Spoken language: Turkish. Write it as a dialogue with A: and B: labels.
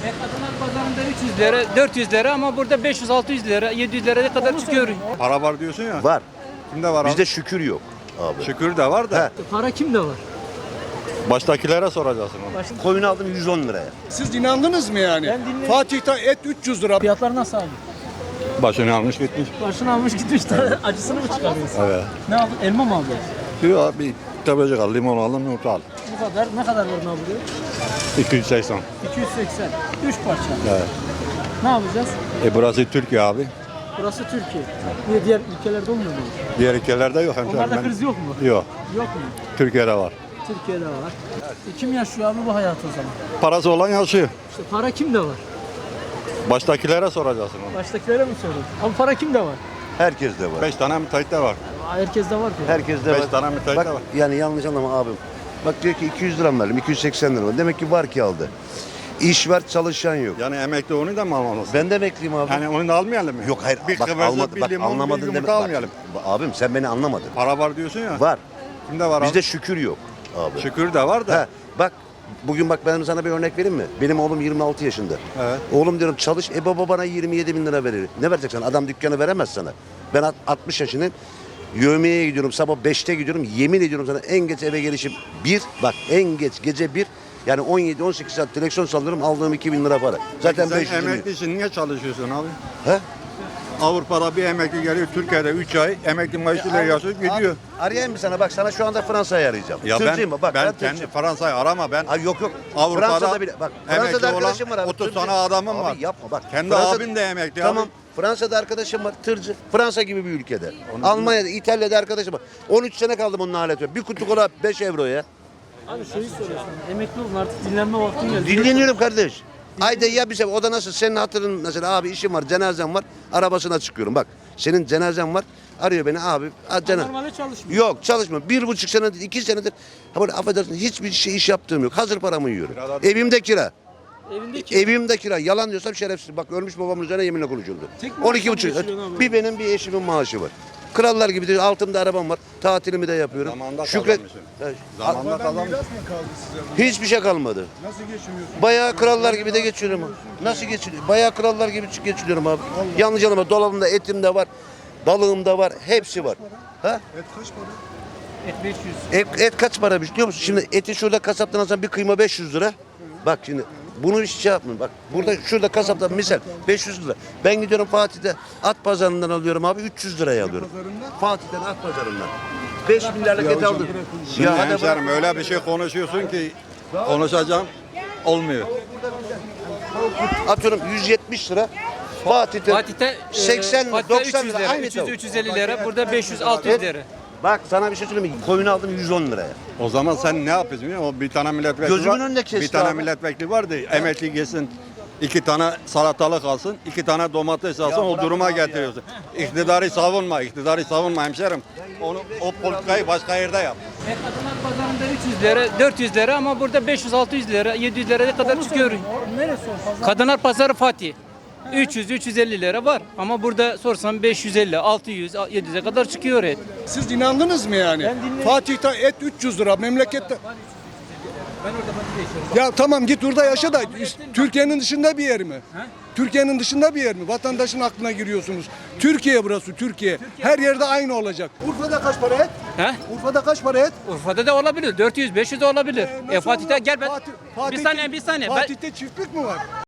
A: Kadınlar pazarında 300 lira, 400 lira ama burada 500-600 lira, 700 liraya kadar çıkıyor.
B: Para var diyorsun ya.
C: Var.
B: Kimde var abi?
C: Bizde şükür yok abi.
B: Şükür de var da.
A: Para kimde var?
B: Baştakilere soracaksın onu.
C: Koyun aldım 110 liraya.
D: Siz inandınız mı yani?
A: Ben dinledim.
D: Fatih'te et 300 lira.
A: Fiyatlar nasıl abi?
B: Başını almış gitmiş.
A: Başını almış gitmiş de acısını mı çıkarıyorsun?
B: Evet.
A: Ne aldın? Elma mı aldın?
B: Diyor abi tabacık al, limon al, yumurta al.
A: Bu kadar. Ne kadar var ne alıyor?
B: 280.
A: 280. 3 parça.
B: Evet.
A: Ne yapacağız?
B: Burası Türkiye abi.
A: Burası Türkiye. Niye diğer ülkelerde olmuyor mu?
B: Diğer ülkelerde yok hemşerim.
A: Onlarda
B: Ben-
A: kriz yok mu?
B: Yok.
A: Yok mu?
B: Türkiye'de var.
A: Türkiye'de var. Kim yaşıyor abi bu hayatı o zaman?
B: Parası olan yaşıyor.
A: İşte para kimde var?
B: Baştakilere soracaksın onu.
A: Baştakilere mi soruyorsun? Ama para kimde var?
C: Herkes de var.
B: 5 tane müteahhit de var.
A: Herkeste var ki.
C: Herkes de
B: Beş
C: var.
B: tane müteahhit
C: Bak,
B: de var.
C: yani yanlış anlama abim. Bak diyor ki 200 lira mı verdim, 280 lira mı? Demek ki var ki aldı. İş var, çalışan yok.
B: Yani emekli onu da mı almalısın?
C: Ben de emekliyim abi.
B: Yani onu da almayalım mı?
C: Yok hayır,
B: Bir
C: bak
B: kıvırcık,
C: almadı,
B: bir
C: bak
B: limon, bir
C: anlamadın
B: yumurta
C: demek. Bak,
B: almayalım.
C: abim sen beni anlamadın.
B: Para var diyorsun ya.
C: Var.
B: Kimde var
C: Bizde
B: abi?
C: şükür yok abi.
B: Şükür de var da.
C: He, bak bugün bak ben sana bir örnek vereyim mi? Benim oğlum 26 yaşında.
B: Evet.
C: Oğlum diyorum çalış, baba bana 27 bin lira verir. Ne vereceksin? Adam dükkanı veremez sana. Ben 60 yaşındayım. Yövmeye gidiyorum, sabah 5'te gidiyorum. Yemin ediyorum sana en geç eve gelişim 1. Bak en geç gece 1. Yani 17-18 saat direksiyon sallıyorum, aldığım 2 bin lira para. Zaten
B: Sen
C: 500 bin.
B: emekli için niye çalışıyorsun abi?
C: He?
B: Avrupa'da bir emekli geliyor, Türkiye'de 3 ay emekli maaşıyla yaşıyor gidiyor.
C: Arayayım mı sana? Bak sana şu anda Fransa'yı arayacağım.
B: Ya
C: Tırcıyım
B: ben,
C: bak,
B: ben
C: tırcıyım.
B: kendi Fransa'yı arama ben.
C: Ay yok yok.
B: Avrupa'da
C: Fransa'da bile bak.
B: emekli
C: Fransa'da
B: olan
C: arkadaşım var abi.
B: 30
C: tırcı.
B: tane adamım
C: Abi
B: var.
C: yapma bak.
B: Kendi abim de emekli
C: Tamam.
B: abi.
C: Fransa'da arkadaşım var tırcı. Fransa gibi bir ülkede. Almanya'da, İtalya'da arkadaşım var. 13 sene kaldım onun aleti. Bir kutu kola 5 euro ya.
A: Abi şeyi soruyorsun. Emekli olun artık dinlenme vaktin geldi.
C: Dinleniyorum kardeş. Ayda ya bir sefer. O da nasıl? Senin hatırın mesela abi işim var, cenazem var. Arabasına çıkıyorum. Bak senin cenazen var. Arıyor beni abi.
A: Normalde çalışmıyor.
C: Yok çalışmıyorum. 1,5 senedir, 2 senedir. Ha böyle affedersin hiçbir şey iş yaptığım yok. Hazır paramı yiyorum. Evimde kira.
A: Evindeki
C: Evimde kira. Yalan diyorsam şerefsiz. Bak ölmüş babamın üzerine yeminle konuşuldu.
A: Tek maaşla mı
C: 12,5.
A: geçiriyorsun abi?
C: Bir benim bir eşimin maaşı var. Krallar gibi de altımda arabam var. Tatilimi de yapıyorum.
B: Zamanında
C: Şükret.
B: kazanmışsın.
C: Evet.
B: Zamanında kazanmış.
D: Miras mı kaldı size?
C: Hiçbir şey kalmadı.
D: Nasıl geçiniyorsunuz?
C: Bayağı krallar gibi de geçiriyorum. Nasıl geçiriyorum? Bayağı krallar gibi geçiriyorum abi. Yanlış anlama. Dolabımda etim de var. Balığım da var. Hepsi var. Ha?
D: Et kaç para?
A: et 500.
C: Et kaç para biliyor musun? Şimdi eti şurada kasaptan alsan bir kıyma 500 lira. Bak şimdi bunu hiç şey yapmayın. Bak burada şurada kasaptan misal 500 lira. Ben gidiyorum Fatih'te at pazarından alıyorum abi 300 liraya alıyorum.
D: Pazarından?
C: Fatih'ten at pazarından. 5 milyarlık et aldım.
B: Şimdi
C: Ya hadi bak.
B: hemşerim öyle bir şey konuşuyorsun ki konuşacağım olmuyor.
C: Atıyorum 170 lira. Fatih'te 80 lira,
A: Fatih'te
C: 90
A: 300
C: lira,
A: lira,
C: aynı
A: 300
C: tavuk.
A: 350 lira. Burada 500 600
C: Evet.
A: lira.
C: Bak sana bir şey söyleyeyim mi? Koyunu aldım 110 liraya.
B: O zaman sen ne yapıyorsun? biliyor musun? O bir tane milletvekili
C: Gözümün
B: var.
C: önünde kesti
B: Bir tane
C: abi.
B: milletvekili vardı. Emekli gelsin. 2 tane salatalık alsın, 2 tane domates alsın, o
C: bırak
B: duruma
C: abi ya.
B: getiriyorsun. İktidarı savunma hemşerim. O politikayı başka yerde yap.
A: Kadınlar pazarında 300 lira, 400 lira ama burada 500-600 lira, 700 liraya kadar çıkıyor. Neresi o pazar? Kadınlar pazarı Fatih. 300-350 lira var ama burada sorsan 550, 600, 700'e kadar çıkıyor et.
D: Siz inandınız mı yani?
A: Ben dinledim.
D: Fatih'te et 300 lira memlekette.
A: Ben orada Fatih'te yaşıyorum.
D: Ya tamam git orada yaşa da Türkiye'nin dışında bir yer mi?
A: He?
D: Türkiye'nin dışında bir yer mi? Vatandaşın aklına giriyorsunuz. Türkiye burası Türkiye. Her yerde aynı olacak. Urfa'da kaç para et?
A: He?
D: Urfa'da kaç para et?
A: Urfa'da da olabilir. 400-500 de olabilir.
D: Nasıl
A: Fatih'te
D: olur?
A: gel ben.
D: Fatih'te-
A: Bir saniye. Ben,
D: Fatih'te çiftlik mi var?